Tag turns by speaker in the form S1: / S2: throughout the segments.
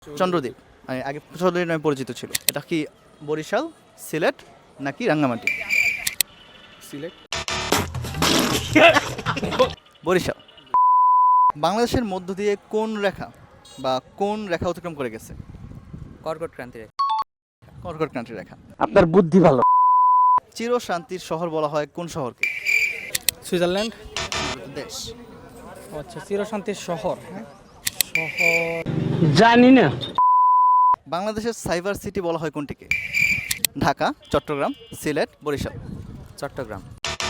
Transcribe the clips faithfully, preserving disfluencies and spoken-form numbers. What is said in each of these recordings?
S1: চন্দ্রদ্বীপ মানে আগে চন্দ্রদ্বীপ নামে পরিচিত ছিল। এটা কি বরিশাল, সিলেট নাকি রাঙ্গামাটি?
S2: সিলেট।
S1: বরিশাল। বাংলাদেশের মধ্য দিয়ে কোন রেখা বা কোন রেখা অতিক্রম করে গেছে?
S3: কর্কট ক্রান্তি রেখা।
S1: কর্কট ক্রান্তি রেখা।
S4: আপনার বুদ্ধি ভালো।
S1: চির শান্তির শহর বলা হয় কোন শহরকে?
S2: সুইজারল্যান্ড।
S1: দেশ।
S2: ও আচ্ছা, চিরশান্তির শহর। হ্যাঁ, শহর
S4: জানি না।
S1: বাংলাদেশের সাইবার সিটি বলা হয় কোনটিকে? ঢাকা, চট্টগ্রাম, সিলেট, বরিশাল।
S3: চট্টগ্রাম।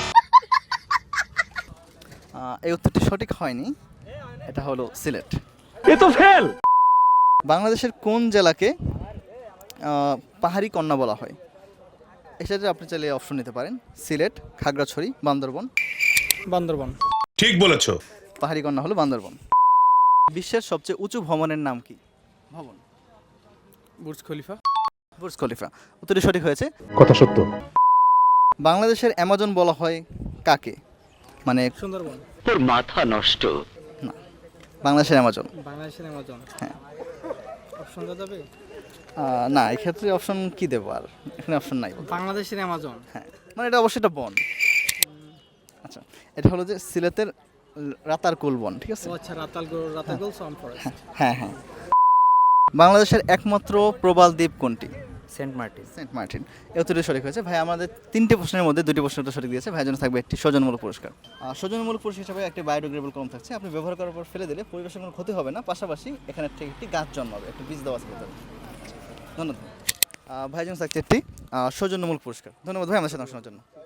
S1: আহ, এই উত্তরটি সঠিক হয়নি, এটা হলো সিলেট।
S4: এ তো ফেল।
S1: বাংলাদেশের কোন জেলাকে আহ, পাহাড়ি কন্যা বলা হয়? এক্ষেত্রে আপনি চাইলে অপশন নিতে পারেন সিলেট, খাগড়াছড়ি, বান্দরবন।
S2: বান্দরবন।
S5: ঠিক বলেছো।
S1: পাহাড়ি কন্যা হলো বান্দরবন। বিশ্বের সবচেয়ে উঁচু ভবনের নাম কি? ভবন।
S2: Burj Khalifa.
S1: Burj Khalifa. উত্তরটি সঠিক হয়েছে।
S4: কথা সত্য।
S1: বাংলাদেশের অ্যামাজন বলা হয় কাকে? মানে
S2: সুন্দরবন।
S4: তোর মাথা নষ্ট।
S1: না, বাংলাদেশের অ্যামাজন।
S2: বাংলাদেশের অ্যামাজন।
S1: হ্যাঁ।
S2: অপশন দেওয়া যাবে?
S1: আহ, না, এক্ষেত্রে অপশন কি দেবো আর, এখানে অপশন নাই।
S2: বাংলাদেশের অ্যামাজন।
S1: হ্যাঁ, মানে এটা অবশ্যই একটা বন। আচ্ছা, এটা হলো যে সিলেটের রাতারকুল বন, ঠিক আছে?
S2: ও আচ্ছা, রাতালগোল রাতালগোল সাউন্ড ফরেস্ট।
S1: হ্যাঁ হ্যাঁ। বাংলাদেশের একমাত্র প্রবাল দ্বীপ কোনটি?
S3: সেন্ট মার্টিন।
S1: সেন্ট মার্টিন। এই উত্তরটি সঠিক হয়েছে। ভাই আমাদের তিনটে প্রশ্নের মধ্যে দুটি প্রশ্ন উত্তর সঠিক দিয়েছে। ভাইয়ের জন্য থাকবে একটি সৌজন্যমূলক পুরস্কার। আর সৌজন্যমূলক পুরস্কার হিসাবে একটি বায়োডিগ্রেডেবল কলম থাকছে, আপনি ব্যবহার করার পর ফেলে দিলে পরিবেশের কোনো ক্ষতি হবে না, পাশাপাশি এখানে থেকে একটি গাছ জন্মাবে, একটি বীজ দেওয়া আছে ভেতরে। ধন্যবাদ। আহ, ভাইয়ের জন্য থাকছে একটি আহ, সৌজন্যমূলক পুরস্কার। ধন্যবাদ ভাই আমাদের সাথে শোনার জন্য।